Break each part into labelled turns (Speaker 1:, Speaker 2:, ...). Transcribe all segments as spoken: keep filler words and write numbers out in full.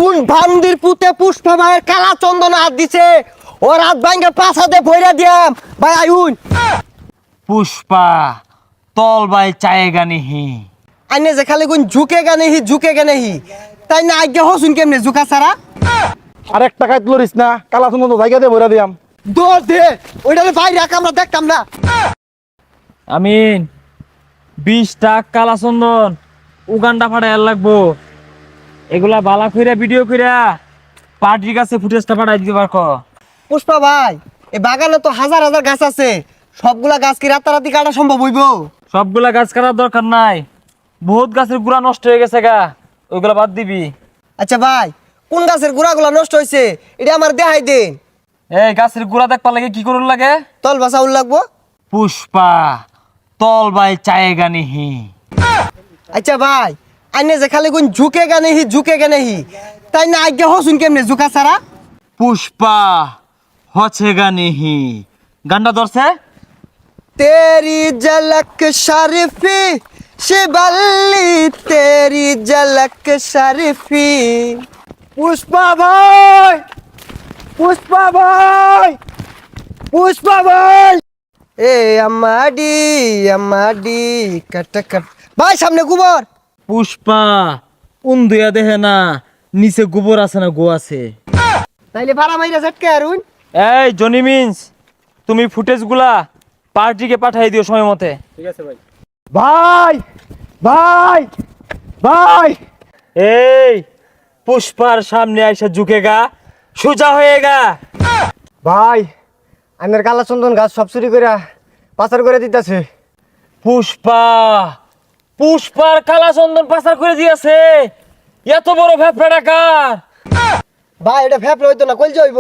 Speaker 1: কোন ভান্দির পুতে পুষ্পা ভাইয়ের কালা চন্দন হাত দিছে ও রাত ভাঙ্গে পাঁচ হাতে ভইরা দিয়াম ভাই আইউন
Speaker 2: পুষ্পা তল বাই চায়েগা নিহি
Speaker 1: আইনে যে খালি কোন ঝুঁকে গানে হি ঝুঁকে গানে হি তাই না আজ্ঞা হসুন কেমনে ঝুঁকা সারা
Speaker 3: আরেক টাকায় তুলিস না কালা সুন্দর জায়গা দিয়ে ভরে দিয়াম
Speaker 1: দৌড় দে ওইটা বাইরে রাখ আমরা দেখতাম না
Speaker 2: আমিন বিশ টাক কালা চন্দন উগান্ডা ফাটাই লাগবো এগুলা বালা কইরা ভিডিও কইরা পার্টির কাছে ফুটেজটা পাঠাই দিতে পারকো
Speaker 1: পুষ্পা ভাই এই বাগানে তো হাজার হাজার গাছ আছে সবগুলা গাছ কি রাতারাতি কাটা সম্ভব হইব
Speaker 2: সবগুলা গাছ কাটার দরকার নাই বহুত গাছের গুড়া নষ্ট হয়ে গেছে গা ওইগুলা বাদ দিবি
Speaker 1: আচ্ছা ভাই কোন গাছের গুড়াগুলা নষ্ট হয়েছে এটা আমার দেখাই দিন
Speaker 2: এই গাছের গুড়া দেখবার লাগে কি করুন লাগে
Speaker 1: তল বাসা উল লাগবো
Speaker 2: পুষ্পা তল বাই চায়েগা নিহি
Speaker 1: আচ্ছা ভাই আইনে যে খালি কোন ঝুঁকে গানে হি ঝুঁকে গানে হি তাই না আজ্ঞা হসুন কেমনে ঝুঁকা সারা
Speaker 2: পুষ্পা হছেগা নিহি গান্ডা ধরছে
Speaker 1: तेरी झलक शरीफी शिबल्ली तेरी झलक शरीफी पुष्पा भाई पुष्पा भाई पुष्पा भाई ए अम्माडी अम्माडी कट कट भाई सामने गोबर
Speaker 2: পুষ্পা উন্দুয়া দেহে না নিচে গোবর আছে না গো আছে
Speaker 1: তাইলে ভাড়া মাইরা ঝটকে আরুন
Speaker 2: এই জনি মিন্স তুমি ফুটেজ গুলা পার্টিকে পাঠাই দিও সময় মতে
Speaker 3: ভাই ভাই ভাই
Speaker 2: এই পুষ্পার সামনে আইসা ঝুঁকেগা সোজা হয়েগা
Speaker 1: ভাই আমার কালা চন্দন গাছ সব চুরি করে পাচার করে দিতেছে
Speaker 2: পুষ্পা পুষ্পার কালা চন্দন পাচার করে দিয়েছে এত বড় ভ্যাপড়া ডাকার
Speaker 1: ভাই এটা ফেপলে হইতো না কইল যাইব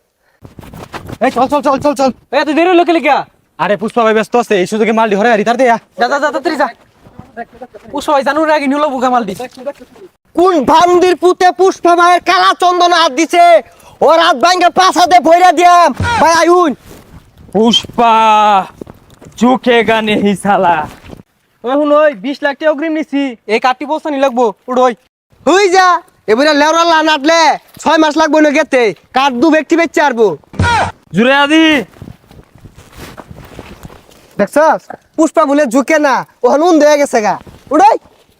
Speaker 3: এই চল চল চল চল চল
Speaker 2: এত দেরি লোকে লিখা
Speaker 3: আরে পুষ্পা ভাই ব্যস্ত আছে এই সুযোগে মাল দি হরে আরি তার দেয়া
Speaker 2: যা যা যা তাড়াতাড়ি যা পুষ্পা ভাই জানুর আগে নিলো বুকা মাল দিস
Speaker 1: কোন ভান্দির পুতে পুষ্পা ভাইয়ের কালা চন্দন হাত দিছে ও রাত ভাঙ্গে পাঁচ হাতে ভইরা দিয়াম ভাই আইউন
Speaker 2: পুষ্পা ঝুঁকেগা নেহি সালা
Speaker 3: এখন ওই বিশ লাখ টাকা অগ্রিম নিছি এই কাটি বস্তা নি লাগবো উড়োই
Speaker 1: হই যা এবারে লেওরা লা নাটলে ছয় মাস লাগবো না গেতে কাঠ দু ব্যক্তি বেচে আরবো
Speaker 2: জুড়ে আদি
Speaker 1: দেখছস পুষ্পা বলে ঝুঁকে না ও হনুন দেয়া গেছে গা উড়াই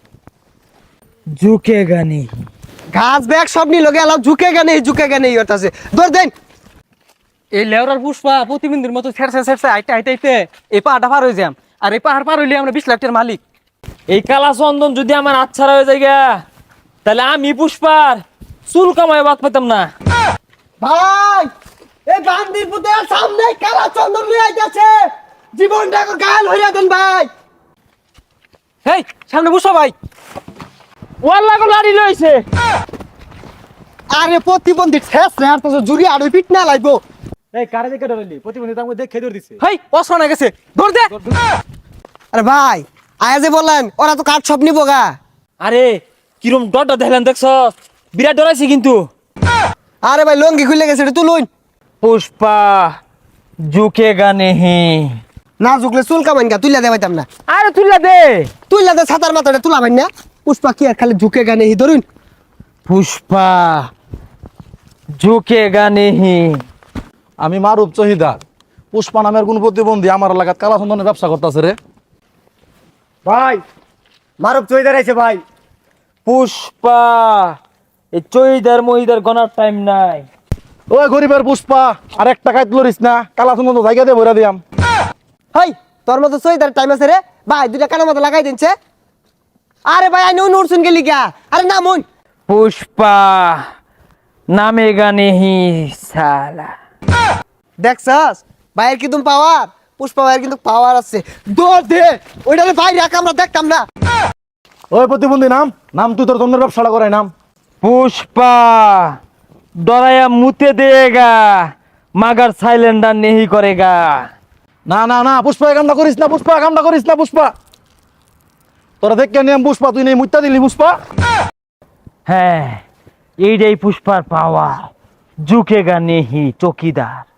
Speaker 2: ঝুঁকেগা নেহি
Speaker 1: ঘাস ব্যাগ সব নি লগে আলাও ঝুঁকে গা নেই ঝুঁকে গা নেই ওটাছে দৌড় দেন
Speaker 3: এই লেওরার পুষ্পা প্রতিবিন্দুর মতো ছেড়ছে ছেড়ছে আইতে আইতে আইতে এই পাহাড়টা পার হয়ে যাম আর এই পাহাড় পার হইলে আমরা বিশ লাখ টাকার মালিক
Speaker 2: এই কালা চন্দন যদি আমার আচ্ছারা হয়ে যায় গা, তাহলে আমি পুষ্পার চুল কামায় বাদ পেতাম না
Speaker 1: ভাই এই বান্দির পুতে সামনে কালা চন্দন লই আইতাছে জীবনটাকে গাল হইরা দেন ভাই
Speaker 3: এই সামনে পুষ্পা ভাই
Speaker 2: ওয়াল্লা গো লাড়ি লইছে
Speaker 1: আরে প্রতিবন্ধী ঠেস রে আর তো জুরি আর পিট না লাইবো
Speaker 3: এই কারে দেখে ডরাইলি প্রতিবন্ধী তার মধ্যে দেখে ধরে দিছে
Speaker 2: হেই অসনা গেছে ধর দে
Speaker 1: আরে ভাই আয়া যে বললেন ওরা তো কাঠ সব নিবো গা
Speaker 2: আরে কিরম ডট দেখলেন দেখছ বিরাট ডরাইছে কিন্তু
Speaker 1: আরে ভাই লঙ্গি খুলে গেছে এটা তুলুন
Speaker 2: পুষ্পা ঝুঁকেগা নেহি
Speaker 1: না ঝুকলে চুল কামাইন গা তুইলা দে পাইতাম না
Speaker 2: আরে তুইলা দে
Speaker 1: তুইলা দে ছাতার মাথাটা তুলা ভাই না পুষ্পা কি আর খালি ঝুঁকে গানে হি ধরুন
Speaker 2: পুষ্পা ঝুঁকেগা নেহি
Speaker 3: আমি মারুপ চহিদার পুষ্পা নামের কোন প্রতিবন্ধী আমার এলাকাত কালা চন্দনের ব্যবসা করতেছে রে
Speaker 1: ভাই মারুপ চইদার আইছে ভাই
Speaker 2: পুষ্পা এই চইদার মহিদার গনার টাইম নাই
Speaker 3: ওই গরিবের পুষ্পা আর এক টাকায় তুলিস না কালা চন্দন জায়গা দিয়ে ভরে দিয়াম
Speaker 1: হাই তোর মতো চইদার টাইম আছে রে ভাই দুইটা কানের মতো লাগাই দিনছে আরে ভাই আইন উড়ছুন গেলি গা আরে না মন
Speaker 2: পুষ্পা নামেগা নেহি সালা
Speaker 1: দেখছস ভাইয়ের কিন্তু পাওয়ার পুষ্পা ভাইয়ের কিন্তু পাওয়ার আছে দৌড় দে ওইটারে ভাই রাখ আমরা দেখতাম না
Speaker 3: ওই প্রতিবন্ধী নাম নাম তুই তোর চন্দনের ব্যবসাটা করাই নাম
Speaker 2: পুষ্পা ডরায়া মুতে দেগা মাগার সাইলেন্ডার নেহি করেগা
Speaker 3: না না না পুষ্পা এই কামটা করিস না পুষ্পা কামটা করিস না পুষ্পা তোরা দেখে নিয়ম পুষ্পা তুই নেই মুত্তা দিলি পুষ্পা
Speaker 2: হ্যাঁ এইটাই পুষ্পার পাওয়া ঝুঁকেগা নেহি চকিদার